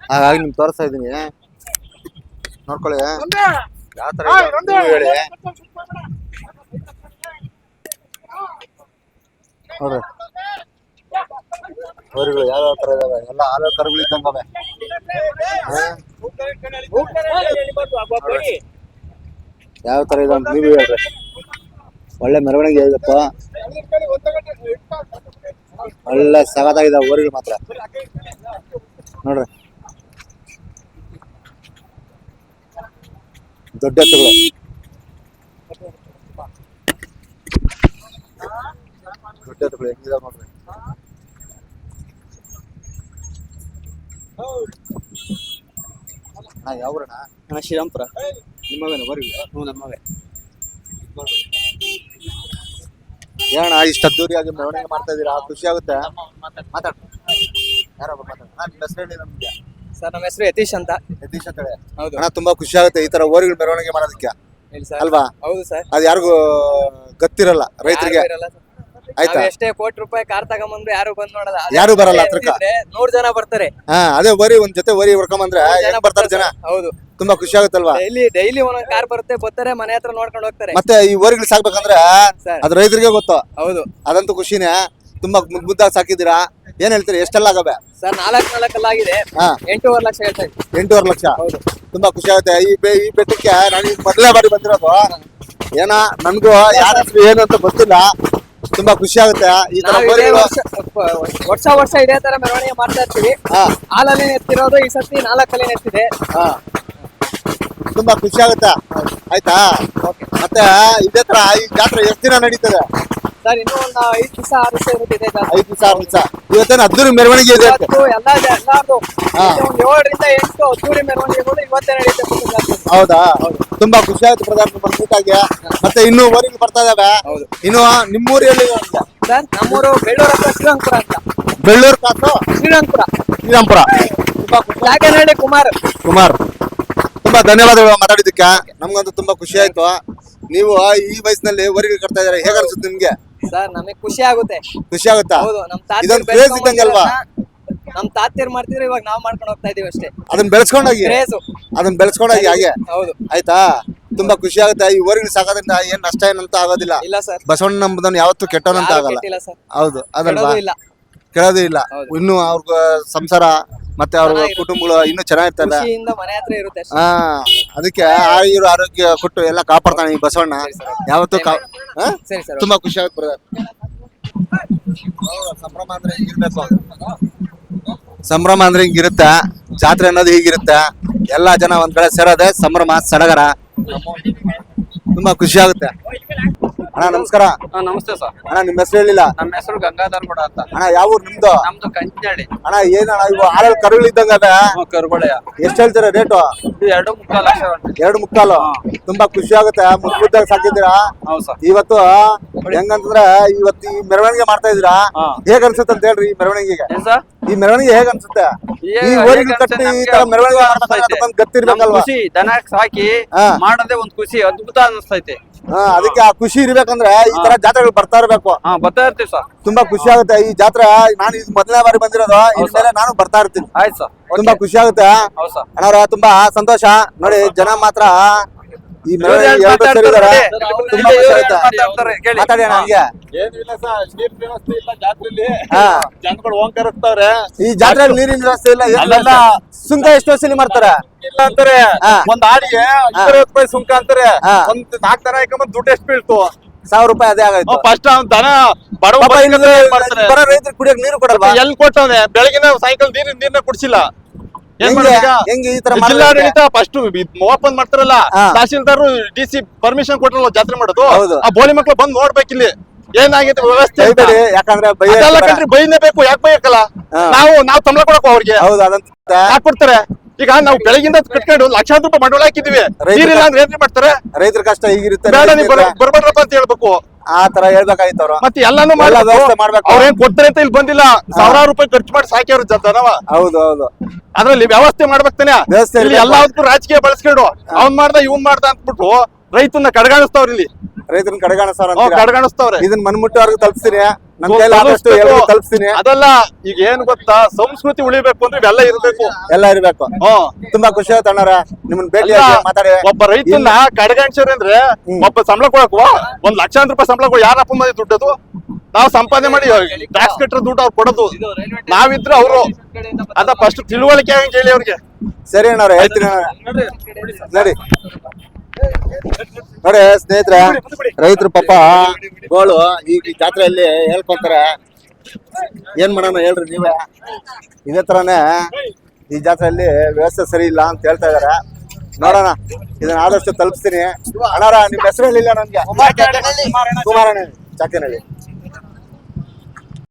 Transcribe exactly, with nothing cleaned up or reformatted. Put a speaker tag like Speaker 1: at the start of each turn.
Speaker 1: ಹಾಗಾಗಿ ನಿಮ್ಗೆ ತೋರಿಸ್ತಾ ಇದೀನಿ, ನೋಡ್ಕೊಳ್ಳಿ ಯಾವ ತರ ಹೇಳಿ. ನೋಡ್ರಿ ಊರುಗಳು ಯಾವ್ಯಾವ ತರ ಇದಾವೆ, ಎಲ್ಲ ಹಾಲು ಕರುಗಳು ಇದ್ದಂಗವೆ. ಯಾವ ತರ ಇದೆ ಅಂತ ನೀವು ಹೇಳ್ರಿ. ಒಳ್ಳೆ ಮೆರವಣಿಗೆ ಇದಪ್ಪ, ಒಳ್ಳೆ ಸಗದಾಗಿದೆ ಊರಿಗೆ ಮಾತ್ರ. ನೋಡ್ರಿ ದೊಡ್ಡ ಎತ್ತುಗಳು, ದೊಡ್ಡ ಎತ್ತುಗಳು ಹೆಂಗಿದಾವೆ ನೋಡ್ರಿ. ಹಾ ಯಾವ್ರಣ್ಣ?
Speaker 2: ಅಣ್ಣ ಶ್ರೀರಾಮ್ಪುರ.
Speaker 1: ನಿಮ್ಮವೇನ ಊರಿಗೆ?
Speaker 2: ಹ್ಞೂ ನಮ್ಮವೇ.
Speaker 1: ಏನಣ್ಣ ಇಷ್ಟ ಅದ್ದೂರಿಯಾಗಿ ಮೆರವಣಿಗೆ ಮಾಡ್ತಾ ಇದೀರಾ, ಖುಷಿ ಆಗುತ್ತೆ? ಮಾತಾಡ ಯಾರೊಬ್ಬ ಮಾತಾಡ. ನಿಮ್ಮ ಹೆಸರು ಹೇಳಿ ನಮ್ಗೆ.
Speaker 2: ಸರ್ ನಮ್ಮ ಹೆಸರು ಯತೀಶ್ ಅಂತ.
Speaker 1: ಯತೀಶ್ ಅಂತ ಹೇಳಿ.
Speaker 2: ಹೌದು
Speaker 1: ಅಣ್ಣ ತುಂಬಾ ಖುಷಿ ಆಗುತ್ತೆ ಈ ತರ ಊರುಗಳು ಮೆರವಣಿಗೆ ಮಾಡೋದಕ್ಕೆ ಅಲ್ವಾ?
Speaker 2: ಹೌದು ಸರ್.
Speaker 1: ಅದು ಯಾರಿಗೂ ಗೊತ್ತಿರಲ್ಲ ರೈತರಿಗೆ, ಆಯ್ತಾ?
Speaker 2: ಎಷ್ಟೇ ಕೋಟಿ ರೂಪಾಯಿ ಕಾರ್ ತಗೊಂಬಂದ್ರೆ ಯಾರು ಬಂದ್ ನೋಡಲ್ಲ,
Speaker 1: ಯಾರು ಬರಲ್ಲ ಹತ್ರಕ್ಕೆ.
Speaker 2: ನೂರ್ ಜನ ಬರ್ತಾರೆ.
Speaker 1: ಹಾ ಅದೇ ವರಿ ಒಂದ್ ಜೊತೆ ವರಿ ಹೊಡ್ಕೊಂಬಂದ್ರೆ ಹೆಂಗ್ ಬರ್ತಾರೆ ಜನ.
Speaker 2: ಹೌದು
Speaker 1: ತುಂಬಾ ಖುಷಿ ಆಗುತ್ತಲ್ವಾ?
Speaker 2: ಡೈಲಿ ಡೈಲಿ ಒಂದೊಂದ್ ಕಾರ್ ಬರುತ್ತೆ, ಬರ್ತಾರೆ ಮನೆ ಹತ್ರ ನೋಡ್ಕೊಂಡು ಹೋಗ್ತಾರೆ.
Speaker 1: ಮತ್ತೆ ಈ ಊರುಗಳು ಸಾಕ್ಬೇಕಂದ್ರೆ ಅದು ರೈತರಿಗೆ ಗೊತ್ತು.
Speaker 2: ಹೌದು
Speaker 1: ಅದಂತೂ ಖುಷಿನೇ. ತುಂಬಾ ಮುದ್ ಮುದ್ದಾಗಿ ಸಾಕಿದ್ದೀರಾ. ಏನ್ ಹೇಳ್ತೀರಿ, ಎಷ್ಟೆಲ್ಲ ಆಗವೆ?
Speaker 2: ಸರ್ ನಾಲ್ಕ್ ನಾಲ್ಕಲ್ಲಾಗಿದೆ.
Speaker 1: ಹಾ
Speaker 2: ಎಂಟೂವರೆ ಲಕ್ಷ ಹೇಳ್ತಾ ಇದ್ದೀನಿ.
Speaker 1: ಎಂಟೂವರೆ ಲಕ್ಷ.
Speaker 2: ಹೌದು
Speaker 1: ತುಂಬಾ ಖುಷಿ ಆಗುತ್ತೆ. ಈ ಬೆ ಈ ಬೆಟ್ಟಕ್ಕೆ ನಾನು ಮೊದಲೇ ಬಾರಿ ಬಂದಿರೋದು. ಏನ ನನ್ಗೂ ಯಾರ ಹೆಸರು ಏನು ಅಂತ ಗೊತ್ತಿಲ್ಲ. ತುಂಬಾ ಖುಷಿ ಆಗುತ್ತೆ ಈ ತರ
Speaker 2: ವರ್ಷ ವರ್ಷ ಇದೇ ತರ ಮೆರವಣಿಗೆ ಮಾಡ್ತಾ ಇರ್ತೀವಿ.
Speaker 1: ಹಾ
Speaker 2: ಹಾಲಲ್ಲಿ ಎತ್ತಿರೋದು ಈ ಸತಿ ನಾಲ್ಕಲ್ಲಿ ಎತ್ತಿದೆ.
Speaker 1: ಹಾ ತುಂಬಾ ಖುಷಿ ಆಗುತ್ತೆ. ಆಯ್ತಾ? ಮತ್ತೆ ಇದೇ ತರ ಈ ಜಾತ್ರೆ ಎಷ್ಟು ದಿನ ನಡೀತದೆ
Speaker 2: ಸರ್? ಇನ್ನೂ ಒಂದು ಐದು ದಿವಸ ಆರು ದಿವಸ ಇರುತ್ತೆ.
Speaker 1: ಐದು ದಿವಸ ಆರು ದಿವಸ. ಇವತ್ತೇನು ಅದ್ದೂರಿ ಮೆರವಣಿಗೆ ಇದೆ?
Speaker 2: ಎಲ್ಲ ಎಲ್ಲಾರ್ದು ಒಂದು ಏಳರಿಂದ ಎಂಟು ಅದ್ದೂರಿ ಮೆರವಣಿಗೆಗಳು ಇವತ್ತೇ ನಡೀತದೆ.
Speaker 1: ಹೌದಾ? ತುಂಬಾ ಖುಷಿ ಆಯ್ತು ಪ್ರಧಾನ ಮೀಟಾಗಿ. ಮತ್ತೆ ಇನ್ನು ಊರಿಗೆ ಬರ್ತಾ ಇದಾವೆ. ಇನ್ನು ನಿಮ್ಮೂರಲ್ಲಿ
Speaker 2: ಸರ್ ನಮ್ಮೂರು ಬೆಳ್ಳೂರು ಹತ್ರ ಶ್ರೀರಂಗಪುರ ಅಂತ.
Speaker 1: ಬೆಳ್ಳೂರು ಕಾಸು
Speaker 2: ಶ್ರೀರಂಗಪುರ
Speaker 1: ಶ್ರೀರಾಮ್ಪುರ. ತುಂಬಾ
Speaker 2: ಜಾಗನಹಳ್ಳಿ ಕುಮಾರ್
Speaker 1: ಕುಮಾರ್ ತುಂಬಾ ಧನ್ಯವಾದಗಳು ಮಾತಾಡಿದ್ದಕ್ಕೆ. ನಮ್ಗಂತೂ ತುಂಬಾ ಖುಷಿ ಆಯ್ತು. ನೀವು ಈ ವಯಸ್ಸಿನಲ್ಲಿ ಊರಿಗೆ ಕಟ್ತಾ ಇದಾರೆ, ಹೇಗ ಅನ್ಸುತ್ತೆ ನಿಮ್ಗೆ?
Speaker 2: ಸರ್ ನಮಗೆ ಖುಷಿ ಆಗುತ್ತೆ.
Speaker 1: ಖುಷಿ ಆಗುತ್ತಾ?
Speaker 2: ಹೌದು ನಮ್ ತಾತ
Speaker 1: ಇದೊಂದು ಕ್ರೇಜ್ ಇದ್ದಂಗಲ್ವಾ?
Speaker 2: ನಮ್ ತಾತಿಯರ್ ಮಾಡ್ತಿದ್ರೆ ಇವಾಗ ನಾವ್ ಮಾಡ್ಕೊಂಡು ಹೋಗ್ತಾ ಇದೀವಿ ಅಷ್ಟೇ.
Speaker 1: ಅದನ್ನ ಬೆಳೆಸ್ಕೊಂಡೋಗಿ
Speaker 2: ಕ್ರೇಜು
Speaker 1: ಅದನ್ನ ಬೆಳೆಸ್ಕೊಂಡೋಗಿ ಹಾಗೆ.
Speaker 2: ಹೌದು
Speaker 1: ಆಯ್ತಾ? ತುಂಬಾ ಖುಷಿ ಆಗುತ್ತೆ. ಈ ಊರಿಗೆ ಸಾಕೋದ್ರಿಂದ ಏನ್ ನಷ್ಟ ಏನಂತ ಆಗೋದಿಲ್ಲ.
Speaker 2: ಇಲ್ಲ ಸರ್,
Speaker 1: ಬಸವಣ್ಣ ನಂಬುದನ್ನು ಯಾವತ್ತೂ ಕೆಟ್ಟವನಂತ ಆಗಲ್ಲ.
Speaker 2: ಇಲ್ಲ ಸರ್.
Speaker 1: ಹೌದು ಅದಲ್ವಾ?
Speaker 2: ಇಲ್ಲ
Speaker 1: ಕೇಳೋದು ಇಲ್ಲ. ಇನ್ನು ಅವ್ರ ಸಂಸಾರ ಮತ್ತೆ ಅವ್ರ ಕುಟುಂಬಗಳು ಇನ್ನು ಚೆನ್ನಾಗಿರ್ತಲ್ಲ.
Speaker 2: ಖುಷಿಯಿಂದ ಮನೆ ಹತ್ರ ಇರುತ್ತೆ ಅಷ್ಟೇ.
Speaker 1: ಹಾ ಅದಕ್ಕೆ ಆಯುರ್ ಆರೋಗ್ಯ ಕೊಟ್ಟು ಎಲ್ಲ ಕಾಪಾಡ್ತಾನೆ ಈ ಬಸವಣ್ಣ ಯಾವತ್ತೂ.
Speaker 2: ಸರಿ ಸರ್.
Speaker 1: ತುಂಬಾ ಖುಷಿ ಆಗುತ್ತೆ ಬ್ರದರ್. ಸಂಭ್ರಮ ಅಂದ್ರೆ ಹಿಂಗಿರ್ಬೇಕು. ಸಂಭ್ರಮ ಅಂದ್ರೆ ಹಿಂಗಿರುತ್ತೆ. ಜಾತ್ರೆ ಅನ್ನೋದು ಹೀಗಿರುತ್ತೆ. ಎಲ್ಲಾ ಜನ ಒಂದ್ ಕಡೆ ಸೇರೋದೆ ಸಂಭ್ರಮ ಸಡಗರ. ತುಂಬಾ ಖುಷಿ ಆಗುತ್ತೆ. ಅಣ್ಣ ನಮಸ್ಕಾರ.
Speaker 2: ನಮಸ್ತೆ ಸರ್.
Speaker 1: ಅಣ್ಣ ನಿಮ್ಮ ಹೆಸರು ಹೇಳಿಲ್ಲ.
Speaker 2: ನಮ್ಮ ಹೆಸರು ಗಂಗಾಧರ್ ಕೂಡ ಅಂತ.
Speaker 1: ಅಣ್ಣ ಯಾವ ಊರು ನಿಮ್ದು?
Speaker 2: ನಮ್ದು ಕಂಚಿನಹಳ್ಳಿ.
Speaker 1: ಅಣ್ಣ ಏನಣ್ಣ ಇವು ಹಾಲಲ್ಲಿ ಕರುಗಳು ಇದ್ದಂಗ ಅದ,
Speaker 2: ಕರುಬಳೆಯ
Speaker 1: ಎಷ್ಟು ಹೇಳ್ತೀರಾ ರೇಟು?
Speaker 2: ಎರಡು ಮುಕ್ಕಾಲು ಲಕ್ಷ.
Speaker 1: ಎರಡು ಮುಕ್ಕಾಲು. ತುಂಬಾ ಖುಷಿ ಆಗುತ್ತೆ. ಮುದ್ದು ಮುದ್ದಾಗಿ ಸಾಕಿದ್ದೀರಾ. ಇವತ್ತು ಹೆಂಗಂತಂದ್ರೆ ಇವತ್ತು ಈ ಮೆರವಣಿಗೆ ಮಾಡ್ತಾ ಇದೀರಾ, ಹೇಗ್ ಅನ್ಸುತ್ತೆ ಅಂತ ಹೇಳ್ರಿ. ಈ ಮೆರವಣಿಗೆಗೆ ಈ ಮೆರವಣಿಗೆ ಹೇಗ್ ಅನ್ಸುತ್ತೆ? ಈ ಊರಿಗೆ ಕಟ್ಟಿ ಈ ತರ ಮೆರವಣಿಗೆ ಗೊತ್ತಿರ್ಬೇಕಲ್ವಾ?
Speaker 2: ದನ ಸಾಕಿ ಮಾಡೋದೇ ಒಂದ್ ಖುಷಿ, ಅದ್ಭುತ ಅನಿಸ್ತೈತೆ.
Speaker 1: ಹಾ ಅದಕ್ಕೆ ಆ ಖುಷಿ ಇರ್ಬೇಕಂದ್ರೆ ಈ ತರ ಜಾತ್ರೆಗಳು ಬರ್ತಾ ಇರ್ಬೇಕು.
Speaker 2: ಬರ್ತಾ ಇರ್ತೀವಿ ಸರ್.
Speaker 1: ತುಂಬಾ ಖುಷಿ ಆಗುತ್ತೆ. ಈ ಜಾತ್ರೆ ನಾನು ಇದು ಮೊದಲನೇ ಬಾರಿ ಬಂದಿರೋದು, ಇನ್ಮೇಲೆ ನಾನು ಬರ್ತಾ ಇರ್ತೀನಿ.
Speaker 2: ಆಯ್ತು ಸರ್.
Speaker 1: ತುಂಬಾ ಖುಷಿ ಆಗುತ್ತೆ ಅಣ್ಣವ್ರ. ತುಂಬಾ ಸಂತೋಷ ನೋಡಿ. ಜನ ಮಾತ್ರ ಈ ಮೆರವಣಿಗೆ ಎರಡು ಸೇರಿದಾರೆ. ತುಂಬಾ ಖುಷಿ ಆಗುತ್ತೆ. ಮಾತಾಡಿ ಅಣ್ಣ ಹಂಗೆ.
Speaker 3: ಏನಿಲ್ಲ ಸರ್, ನೀರ್ ವ್ಯವಸ್ಥೆ ಇಲ್ಲ ಜಾತ್ರೆಯಲ್ಲಿ.
Speaker 1: ಹಾ
Speaker 3: ಜನಗಳು ಓಂಕರಿಸ್ತಾವ್ರೆ.
Speaker 1: ಈ ಜಾತ್ರೆಯಲ್ಲಿ ನೀರಿನ ವ್ಯವಸ್ಥೆ ಇಲ್ಲ. ಎಲ್ಲ ಸುಂಕ ಎಷ್ಟು ವಸೂಲಿ ಮಾಡ್ತಾರೆ?
Speaker 3: ಇಲ್ಲ ಅಂತಾರೆ. ಒಂದ್ ಆಡಿಗೆ ಇಪ್ಪತ್ತು ರೂಪಾಯಿ ಸುಂಕ ಅಂತಾರೆ. ಒಂದ್ ನಾಲ್ಕು ದನ ಹಾಕೊಂಡ್ ದುಡ್ಡು ಎಷ್ಟು ಬೀಳ್ತು?
Speaker 1: ಸಾವಿರ ರೂಪಾಯಿ ಅದೇ ಆಗಾಯ್ತು.
Speaker 3: ಫಸ್ಟ್ ಅವ್ನ್ ದನ ಬಡವ
Speaker 1: ಬರೋ ರೈತರು ಕುಡಿಯಕ್ ನೀರು ಕೊಡಲ್ವಾ?
Speaker 3: ಎಲ್ಲಿ ಕೊಟ್ಟವ್ನೆ? ಬೆಳಗಿನ ಸಾಯಂಕಾಲ ನೀರಿನ ನೀರ್ನ ಕುಡಿಸಿಲ್ಲ.
Speaker 1: ಹೆಂಗೆ ಈ ತರ
Speaker 3: ಜಿಲ್ಲಾಡಳಿತ ಫಸ್ಟ್ ಓಪನ್ ಮಾಡ್ತಾರಲ್ಲ, ತಹಸೀಲ್ದಾರ್ ಡಿ ಸಿ ಪರ್ಮಿಷನ್ ಕೊಟ್ಟರಲ್ಲ ಜಾತ್ರೆ ಮಾಡೋದು. ಆ ಬೋಳಿ ಮಕ್ಳು ಬಂದ್ ನೋಡ್ಬೇಕಿಲ್ಲಿ ಏನಾಗಿದೆ ವ್ಯವಸ್ಥೆ.
Speaker 1: ಯಾಕಂದ್ರೆ
Speaker 3: ಬೈಲೇಬೇಕು. ಯಾಕೆ ಬೈಯಕ್ಕಲ್ಲ? ನಾವು ನಾವು ತಂಬಳ ಕೊಡಕ್ ಅವ್ರಿಗೆ ಯಾಕೆ ಕೊಡ್ತಾರೆ? ಈಗ ನಾವು ಬೆಳಗಿಂದ ಕಟ್ಕೊಂಡು ಲಕ್ಷಾಂತರ ರೂಪಾಯಿ ಬಂಡವಾಳ ಹಾಕಿದೀವಿ. ನೀರಿಲ್ಲ ಅಂದ್ರೆ ಏನ್ ಮಾಡ್ತಾರೆ?
Speaker 1: ರೈತರ ಕಷ್ಟ ಹೀಗಿರುತ್ತೆ.
Speaker 3: ಬೇಡ ನೀವು ಬರ್ಬೇಡ್ರಪ್ಪ ಅಂತ ಹೇಳ್ಬೇಕು.
Speaker 1: ಆ ತರ ಹೇಳ್ಬೇಕಾಯ್ತು ಅವ್ರು.
Speaker 3: ಮತ್ತೆ ಎಲ್ಲಾನು ಮಾಡ್ಬೇಕು. ಅವ್ರೇನ್ ಕೊಡ್ತಾರೆ ಅಂತ ಇಲ್ಲಿ ಬಂದಿಲ್ಲ. ಸಾವಿರಾರು ರೂಪಾಯಿ ಖರ್ಚು ಮಾಡಿ ಸಾಕಿ ಅವ್ರ ದನವ.
Speaker 1: ಹೌದು ಹೌದು.
Speaker 3: ಅದ್ರಲ್ಲಿ ವ್ಯವಸ್ಥೆ ಮಾಡ್ಬೇಕ್ತಾನೆ. ಎಲ್ಲದಕ್ಕೂ ರಾಜಕೀಯ ಬಳಸ್ಕೊಂಡು ಅವ್ನ್ ಮಾಡ್ದ ಇವ್ನ್ ಮಾಡ್ದ ಅಂದ್ಬಿಟ್ಟು ರೈತನ್ನ ಕಡೆಗಾಣಿಸ್ತಾವ್ರ ಇಲ್ಲಿ.
Speaker 1: ರೈತರನ್ನ ಕಡೆಗಾಣಿಸ್ತಾರ
Speaker 3: ಹ್ಮ್, ಕಡೆಗಣಿಸ್ತವ್ರೆ.
Speaker 1: ಇದನ್ನ ಮನ್ಮುಟ್ಟವ್ರಿಗೆ ತಲುಪಿಸ್ತೀನಿ, ನನ್ ಕೈಲಿ ಆದಷ್ಟು ಎಲ್ರಿಗೂ ತಲುಪಿಸ್ತೀನಿ.
Speaker 3: ಅದಲ್ಲ, ಈಗ ಏನ್ ಗೊತ್ತಾ, ಸಂಸ್ಕೃತಿ ಉಳಿಬೇಕು ಅಂದ್ರೆ ಇವೆಲ್ಲ ಇರ್ಬೇಕು,
Speaker 1: ಎಲ್ಲ ಇರ್ಬೇಕು.
Speaker 3: ಹ್ಮ್.
Speaker 1: ತುಂಬಾ ಖುಷಿ ಆಯ್ತು ಅಣ್ಣಾರ ನಿಮ್ಮನ್ನ ಭೇಟಿ
Speaker 3: ಅಲ್ಲ,
Speaker 1: ಆಗಿ ಮಾತಾಡಿ.
Speaker 3: ಒಬ್ಬ ರೈತನ ಕಡೆಗಣಿಸ್ರಿ ಅಂದ್ರೆ ಒಬ್ಬ ಸಂಬಳ ಕೊಡಕ್ ಒಂದ್ ಲಕ್ಷಾಂತರ ರೂಪಾಯಿ ಸಂಬಳ ಕೊಡ, ಯಾರಪ್ಪ ಮಂದಿ ದುಡ್ಡದು? ನಾವು ಸಂಪಾದನೆ ಮಾಡಿ ಟ್ಯಾಕ್ಸ್ ಕಟ್ಟರ ದುಡ್ಡು ಅವ್ರು ಕೊಡೋದು, ನಾವಿದ್ರೆ ಅವರು ಅದ ಫಸ್ಟ್ ತಿಳುವಳಿಕೆ ಆಗಂಗ್ ಹೇಳಿ ಅವ್ರಿಗೆ.
Speaker 1: ಸರಿ ಅಣ್ಣವ್ರೆ, ಹೇಳ್ತೀನಿ ಅಣ್ಣಾವ್ರೆ. ನೋಡಿ ನೋಡಿ ಸ್ನೇಹಿತರೆ, ರೈತರು ಪಾಪ ಗೋಳು ಈಗ ಈ ಜಾತ್ರೆಯಲ್ಲಿ ಹೇಳ್ಕೊಂತಾರೆ. ಏನ್ ಮಾಡೋಣ ಹೇಳ್ರಿ ನೀವೇ. ಇದೇ ತರಾನೇ ಈ ಜಾತ್ರೆಯಲ್ಲಿ ವ್ಯವಸ್ಥೆ ಸರಿ ಇಲ್ಲ ಅಂತ ಹೇಳ್ತಾ ಇದಾರೆ. ನೋಡೋಣ, ಇದನ್ನ ಆದಷ್ಟು ತಲುಪಿಸ್ತೀನಿ. ಅಣ್ಣಾರ ನಿಮ್ ಹೆಸರು ಹೇಳಿಲ್ಲ ನನ್ಗೆ. ಕುಮಾರಣ್ಣ ಚಾಕಿನಹಳ್ಳಿ.